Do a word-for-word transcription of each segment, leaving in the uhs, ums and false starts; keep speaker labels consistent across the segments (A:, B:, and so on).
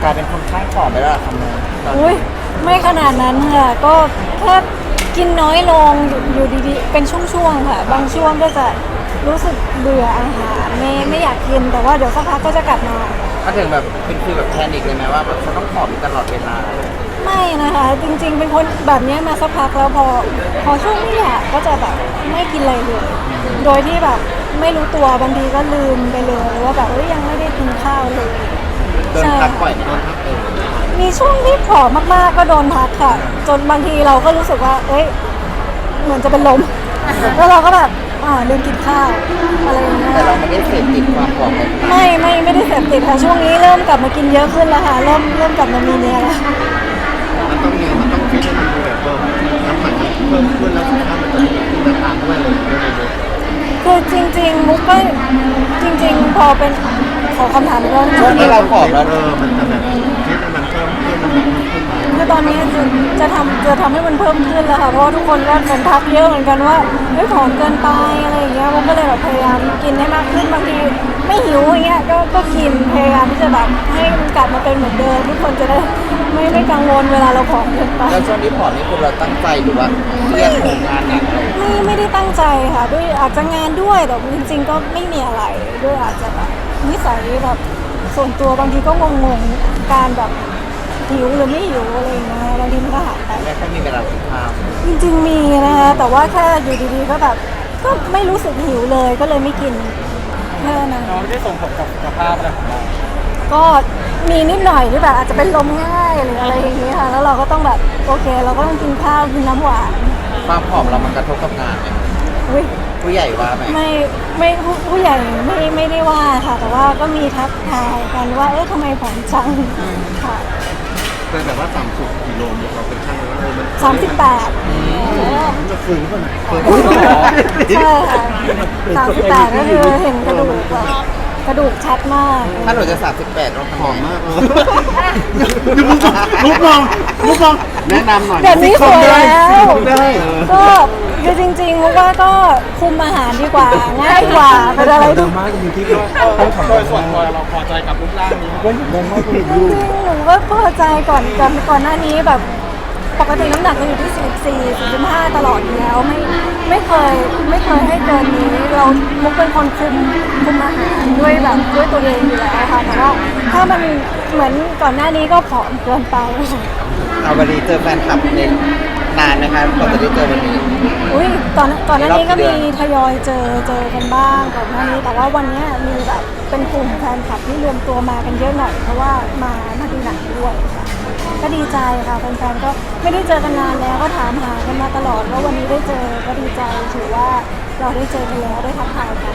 A: กลายเป็นคนข้างผอมไปแล้วล่ะคำนี้
B: อุ้ยไม่ขนาดนั้นค่ะก็แค่กินน้อยลงอยู่อยู่ดีๆเป็นช่วงๆค่ะบางช่วงก็จะรู้สึกเบื่ออาหารไม่ไม่อยากกินแต่ว่าเดี๋ยวสักพักก็จะกลับมา
A: ก็ถึงแบบเป็นฟีลแบบแพนิคเลยไหมว่าแบบฉันต้องผอมอยู่ตลอดเวลา
B: ไม่นะคะจริงๆเป็นคนแบบนี้มาสักพักแล้วพอพอช่วงไม่อยากก็จะแบบไม่กินอะไรเลยโดยที่แบบไม่รู้ตัวบางทีก็ลืมไปเลยว่าแบบเอ้ยยังไม่ได้กินข้าวเลย
A: โดนทักบ่อยไหมโดนทักเอง
B: มีช่วงที่ผอมมากๆก็โดนทักค่ะ จนบางทีเราก็รู้สึกว่าเอ้ยเหมือนจะเป็นลม แล้วเราก็แบบอ่าลืมกินข้าวอะไรอย่างเงี้ย
A: แต่เราไม่ได้เสพติดความผอมเลย
B: ไม่ไม่ไม่ได้เสพติดค่ะช่วงนี้เริ่มกลับมากินเยอะขึ้นแล้วค่ะเริ่มเริ่มกลับมามีเนี้ยแล้ว
C: มันต้องมีมันต้องฟิตให้มันดูแบบเพิ่มน้ำหนักมันเพิ่มขึ้นแล้วสุขภาพมันจะดีขึ้นตามด้วยเลยด้วยเลย
B: คือจริงๆมุกก็จริงๆพอเป็นขอคำถามอีกรอบ
A: ช่วงที่เราผอมแล้ว
C: เออมันจะแบบฟิตให้มันเพิ่มขึ้นน้ำหนักมันขึ้นมา
B: คือตอนนี้จะจะทำจะทำให้มันเพิ่มขึ้นแล้วค่ะเพราะว่าทุกคนก็เหมือนทักเยอะเหมือนกันว่าเฮ้ยผอมเกินไปอะไรอย่างเงี้ยมุกก็เลยแบบพยายามกินให้มากขึ้นบางทีไม่หิวอย่างเงี้ยก็ก็กินพยายามที่จะแบบให้มันกลับมาเป็นเหมือนเดิมทุกคนจะได้ไม่ไม่กังวลเวลาเราผอมเกินไป
A: แล้วช่วงที่ผอมนี่คือเราตั้งใจหรือว่าเครียดโหมงานหนักอะไร
B: ไม่ไม่ได้ตั้งใจค่ะด้วยอาจจะงานด้วยแต่จริงๆก็ไม่มีอะไรด้วยอาจจะแบบนิสัยแบบส่วนตัวบางทีก็งงๆการแบบหิวหรือไม่หิวอะไรอย่างเงี้ยบางทีมันก็หายไป
A: ไม่ค่อยมีเวลากินข้าว
B: จริงๆมีนะคะแต่ว่าแค่อยู่ดีๆก็แบบก็ไม่รู้สึกหิวเลยก็เลยไม่กินแค่นั้น
A: น้องไม่ได้ส่งผลกับสุขภาพอะไรของเรา
B: ก็มีนิดหน่อยที่แบบอาจจะเป็นลมง่ายหรืออะไรอย่างเงี้ยค่ะแล้วเราก็ต้องแบบโอเคเราก็ต้องกินข้าวกินน้ำหวาน
A: ความผอมเรามันกระทบกับงานไหม
B: อุ้ย
A: ผู้ใหญ่ว่าไหม
B: ไม่ไม่ผู้ผู้ใหญ่ไม่ไม่ได้ว่าค่ะ แต่ว่าก็มีทักทายกันว่าเอ๊ะทำไมผอมจังค่ะ
C: แต่แบบว่าต่ำสุดกิโลเราเป็นช่างแล้วเออมัน
B: สามสิบแปด
C: มันจะฝืนป่ะไหน
B: ใช่ค่ะสามสิบแปดก็คือเห็นกระดูกแบบกระดูกชัดมาก
A: ถ้าหนูจะสามสิบแปดต้อง
C: ห
A: ทำ
C: อม
A: ไง
C: มากเลยลุกมองลุกมองแนะนำหน่อย
B: แบบนี้สวยแล้ว
C: ได้
B: ก็คือจริงๆมุกว่าก็คุมอาหารดีกว่าง่ายกว่าเป็นอะไรที่
C: มากจริงที่
A: โดยส่วนตัวเราพอใจกับรูปร่างนี้
C: ก็ยังมากกว่า
B: จริงๆหนูก็พอใจก่อนก่อนก่อนหน้านี้แบบปกติน้ำหนักจะอยู่ที่สี่สิบสี่ สี่สิบห้าตลอดอยู่แล้วไม่ไม่เคยไม่เคยให้เกินนี้เรามุกเป็นคนคุมคุมอาหารด้วยแบบด้วยตัวเองอยู่แล้วค่ะแต่ว่าถ้ามันเหมือนก่อนหน้านี้ก็ผอมเกินไป
A: เอาวันนี้เจอแฟนคลับในนานนะคะก่อนจะได้เจอวันนี้
B: อุ้ยตอนก่อนหน้านี้ก็
A: รอบกี่
B: มี
A: เดือน
B: ทยอยเจอเจอกันบ้างก่อนหน้านี้แต่ว่าวันเนี้ยมีแบบเป็นกลุ่มแฟนคลับที่รวมตัวมากันเยอะหน่อยเพราะว่ามามาดูหนังด้วยค่ะก็ดีใจค่ะแฟนๆก็ไม่ได้เจอกันนานแล้วก็ถามหากันมาตลอดว่าวันนี้ได้เจอก็ดีใจถือว่าเราได้เจอกันแล้วได้ทักทายกัน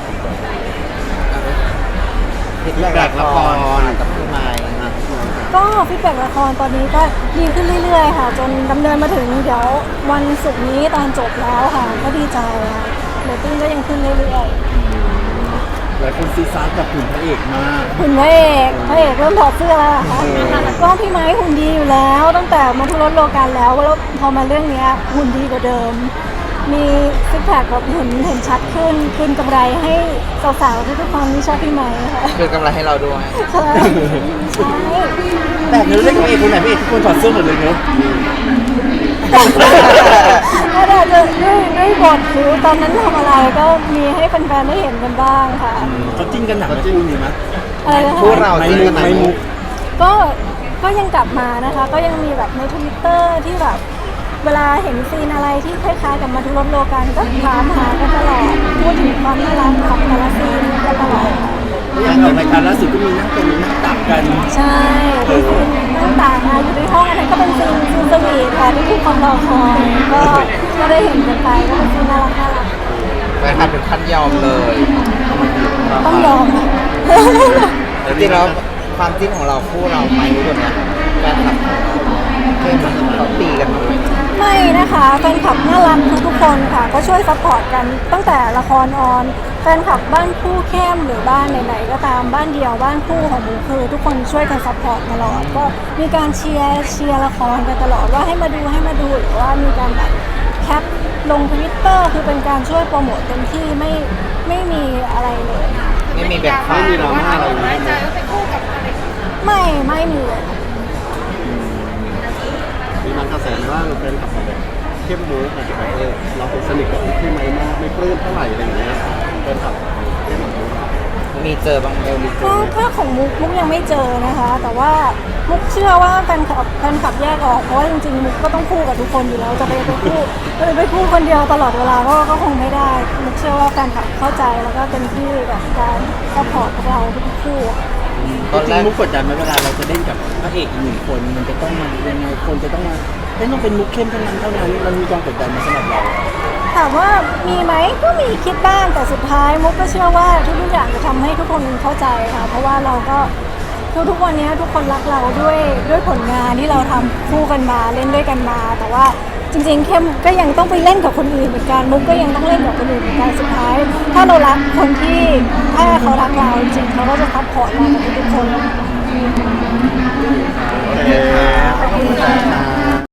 A: คิดแรกละครกับพี่ไม้
B: ก็ฟีดแบ็กละครตอนนี้ก็ดีขึ้นเรื่อยๆค่ะจนดำเนินมาถึงเดี๋ยววันศุกร์นี้ตอนจบแล้วค่ะก็ดีใจค่ะเรตติ้งก็ยังขึ้นเรื่อยๆ
C: หลายคนซีซาร์กับหุ่นพระเอกมาก
B: หุ่นพระเอกพระเอกเริ่มถอดเสื้อแล้วเหรอคะก็พี่ไม้หุ่นดีอยู่แล้ว ตั้งแต่มาทุรถโลกันแล้วแล้วพอมาเรื่องเนี้ยหุ่นดีกว่าเดิม มีซิกแพคแบบเห็นเห็นชัดขึ้นคืนกำไรให้สาวๆทุกๆคนที่ชอบพี่ไม้ค่ะ
A: คือกำไรให้เราด้วย
B: ใช่ใช่
C: แต่เนื้อเรื่องของเอกคนไหนพี่เอกทุกคนถอดเสื้อหมดเลยเนอะ
B: ก็อาจจะด้วยด้วยบทหรือตอนนั้นทำอะไรก็มีให้แฟนๆได้เห็นกันบ้างค่ะ
C: เขาจิ้นกันหนักไหมคู่นี้มั้ย
B: อะไรนะคะ
A: คู่เรา
C: ไม่
A: จริง
C: มุ
A: กั
C: ก
A: นไหน
C: ไม่มุก
B: ก็ก็ยังกลับมานะคะ ก็ยังมีแบบในทวิตเตอร์ที่แบบเวลาเห็นซีนอะไรที่คล้ายๆกับมาทุรถโลกันก็ถามหากันตลอดพูดถึงความน่ารักของแต่ละซีนกันตลอด
C: อย่างออกรายการล่าสุดก็มีนั่งเป็นนั่งตักกัน
B: ใช่เป็นซีนต่างๆมาอยู่ในห้องอันนั้นก็เป็นซีนซีนสวีทค่ะที่ทุกคนรอคอยก็ก็ได้เห็นกันไปก็เป็นซีนน่ารักน่ารัก
A: แฟนคลับถึงขั้นยอมเลย
B: ต้องยอม
A: จริงๆแล้วความจริงของเราคู่เราไม่รู้ตัวเนี้ยแฟนคลับเคยมันเขาตีกันไหม
B: ไม่นะคะแฟนคลับน่ารักทุกๆคนค่ะก็ช่วยซัพพอร์ตกันตั้งแต่ละครออนแฟนคลับบ้านคู่เข้มหรือบ้านไหนๆก็ตามบ้านเดียวบ้านคู่ของหมูคือทุกคนช่วยกันซัพพอร์ตตลอดก็มีการเชียร์เชียร์ละครกันตลอดว่าให้มาดูให้มาดูหรือว่ามีการแบบแคปลงทวิตเตอร์คือเป็นการช่วยโปรโมทเต็มที่ไม่ไม่มีอะไรเลย
A: ไม่มีแบบ
C: ไม่มีดราม่าอะไรเลย
B: ไม่ไม่มีเลย
C: มีบางกระแสไหมว่าเป็นกับแบบเข้มมูกอาจจะแบบเออเราเป็นสนิทกับพี่ไม้มากไม่ปลื้มเท่าไหร่อะไรอย่างเงี้ยเป็นกับเข้มมูก
A: มีเจอบางเอลมีเจ
B: ก็
A: อ
B: ถ้าของมุกมุกยังไม่เจอนะคะ แต่ว่ามุกเชื่อว่าแฟนคลับแฟนคลับแยกออกเพราะว่าจริงๆมุกก็ต้องคู่กับทุกคนอยู่แล้วจะไปไปคู่ไปไปคู่คนเดียวตลอดเวลาก็ก็คงไม่ได้มุกเชื่อว่าแฟนคลับเข้าใจแล้วก็เป็นที่แบบการซัพพอร์ตพวกเราทุกคู่
A: ตอน
D: จ
A: แร
D: ริง
A: ก
D: ๆมุกกดดันไหมเวลาเราจะเล่นกับพระเอกอีกหนึ่งคนมันจะต้องมายังไงคนจะต้องมาเล่นต้องเป็นมุกเข้มเท่านั้นเท่านั้นมันมีความกดดันมาสำหรับเรา
B: ถามว่ามีไหมก็มีคิดบ้างแต่สุดท้ายมุกก็เชื่อว่าทุกๆอย่างจะทำให้ทุกคนเข้าใจค่ะเพราะว่าเราก็ทุกๆวันนี้ทุกคนรักเราด้วยด้วยผลงานที่เราทำคู่กันมาเล่นด้วยกันมา แต่ว่าจริงๆเข้มก็ยังต้องไปเล่นกับคนอื่นเหมือนกันมุกก็ยังต้องเล่นกับคนอื่นเหมือนกันสุดท้าย ถ้าเรารักคนที่ถ้าเขารักเราจริงๆเขาก็จะซัพพอร์ตเรากับทุกๆคน